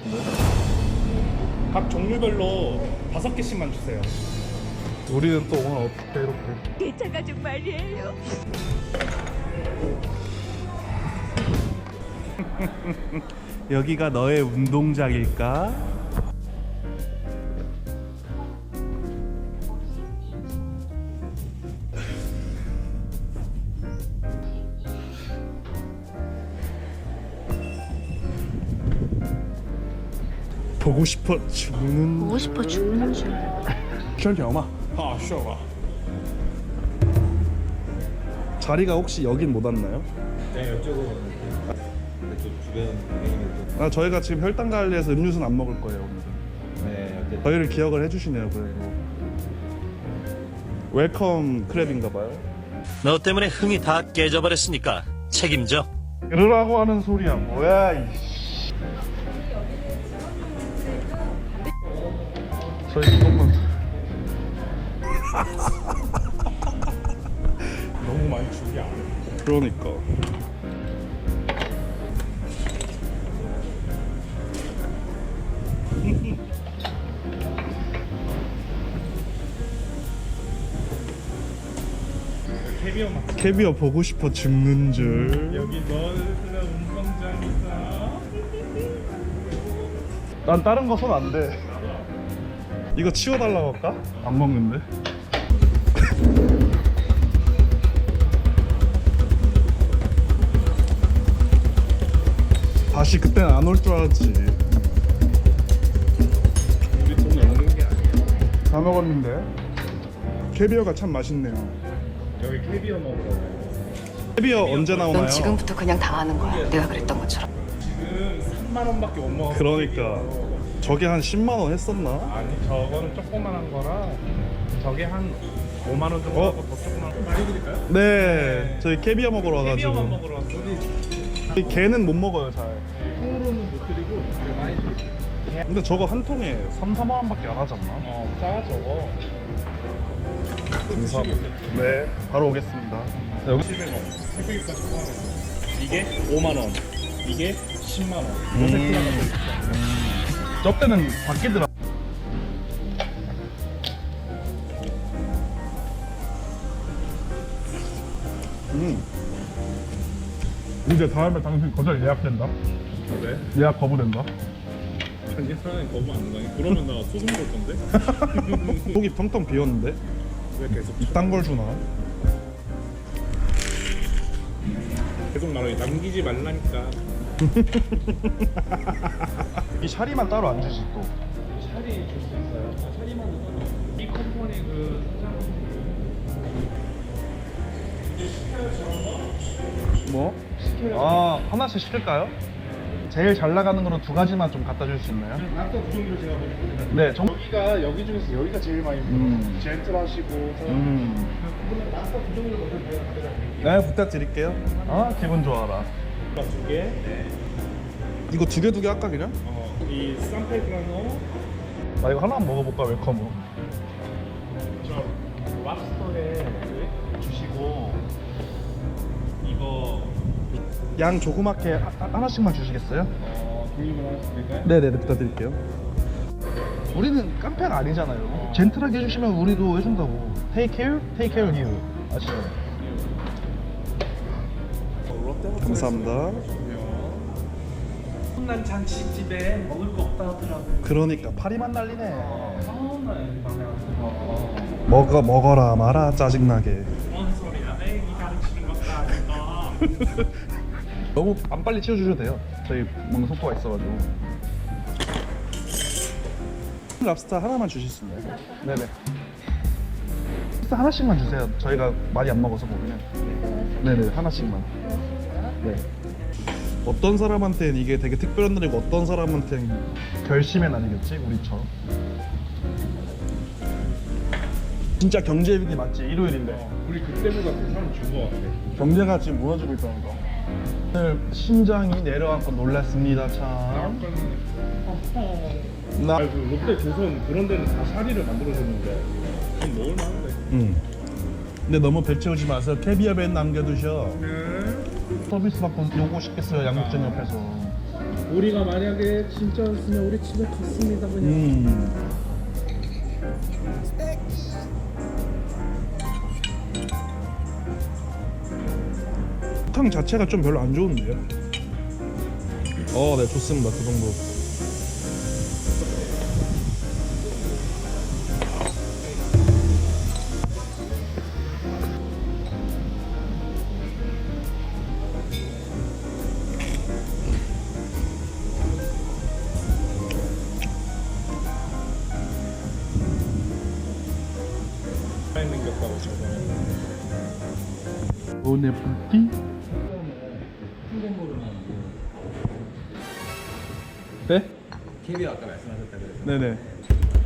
같은데. 각 종류별로 5개씩만 주세요. 우리는 또 오늘 어떻게 이렇게 개차 가족 말이에요. 여기가 너의 운동장일까? 보고 싶어 죽는 보고 싶어 죽는 줄. 圈条嘛. 아, 쉬어봐. 자리가 혹시 여긴 못 왔나요? 네, 이쪽으로 이쪽 주변 동행인들 아, 저희가 지금 혈당 관리해서 음료수는 안 먹을 거예요 오늘은. 네, 어쨌든 저희를 기억을 해주시네요. 그래도 웰컴 크랩인가봐요. 너 때문에 흥이 다 깨져버렸으니까 책임져. 그러라고 하는 소리야 뭐야 이씨. 저희 조금만 너무 많이 주기 안 해. 그러니까 캐비어 맛. 캐비어 보고 싶어 죽는 줄. 여기 너의 운동장이다. 난 다른 거 손 안 대. 이거 치워달라고 할까? 안 먹는데. 다시 그때는 안 올 줄 알았지. 우리 돈 없는 게 아니야. 다 먹었는데. 캐비어가 참 맛있네요. 여기 캐비어 먹으러. 캐비어 언제 나오나요? 넌 지금부터 그냥 당하는 거야. 내가 그랬던 것처럼. 지금 3만 원밖에 못 먹었어. 그러니까 저게 한 10만 원 했었나? 아니, 저거는 조그만한 거라 저게 한 5만 원 정도 어? 하고 더 조그만 거 많이 드릴까요? 네, 저희 캐비어 먹으러 캐비어만 와가지고. 먹으러 왔어. 개는 못 먹어요 잘. 통으로는 못 드리고 많이 드릴게요. 근데 저거 한 통에 3, 4만 원밖에 안 하지 않나? 싸 저거. 감사합니다. 네, 바로 오겠습니다. 여기 700원. 새벽까지 포함해서. 이게 5만 원. 이게 10만 원. 요 세트가 저 때는 바뀌더라. 이제 다음에 당신 거절 예약된다. 왜? 예약 거부된다. 자기 사람이 거부 안 가니? 그러면 나 소송 걸 건데? 속이 텅텅 비었는데 왜 계속 이딴 걸 주나? 계속 말해. 남기지 말라니까. 이 샤리만 따로 안 주지 또. 샤리 줄 수 있어요? 샤리만 넣어서 이 컴퍼니 그 뭐? 아, 하나씩 시킬까요? 제일 잘 나가는 거로 2가지만 좀 갖다 줄 수 있나요? 랍스터 두 종류를 제가 먹어보겠습니다. 네, 여기가 여기 중에서 여기가 제일 많이 젠틀하시고 그러면 랍스터 두 종류를 먼저 제가 가져갈게요. 네, 부탁드릴게요. 아, 기분 좋아라. 두 개. 네. 이거 2개 할까 그냥? 이 산페드라노 나 이거 하나만 먹어볼까 웰컴으로. 저 랍스터에 주시고 이거 양 조그맣게 하나씩만 주시겠어요? 종류만 하나씩 드릴까요? 네네, 부탁드릴게요. 우리는 깡패가 아니잖아요. 젠틀하게 해주시면 우리도 해준다고. Take care, take care of you. 아시죠? 감사합니다. 난 잔치집에 먹을 거 없다 하더라고. 그러니까 파리만 날리네. 먹어라 마라 짜증나게. 뭔 소리야? 에이 가르치는 것도 아니까. 너무 안 빨리 치워주셔도 돼요. 저희 먹는 속도가 있어가지고. 랍스터 하나만 주실 수 있나요? 네네. 랍스터 하나씩만 주세요. 저희가 많이 안 먹어서 보면. 네네, 하나씩만. 네. 어떤 사람한테는 이게 되게 특별한 날이고 어떤 사람한테는 결심의 날이겠지, 우리처럼. 진짜 경제위기 맞지? 일요일인데. 우리 그때보다 그 사람 준거 같아. 경제가 지금 무너지고 있다는 거. 오늘 심장이 내려앉고 놀랐습니다, 참. 나. 아니, 그 롯데 조선 그런 데는 다 샤리를 만들어줬는데 좀 먹을 만한데. 근데 너무 배 채우지 마세요. 캐비어 밴 남겨두셔. 서비스 받고 요거 시켰어요, 양육장 옆에서. 우리가 만약에 진짜였으면 우리 집에 갔습니다 그냥. 탕 자체가 좀 별로 안 좋은데요? 네, 좋습니다. 그 정도. 생겼다고 저번에. 오늘 파티? 네? KB 아까 말씀하셨다 그래서 네네.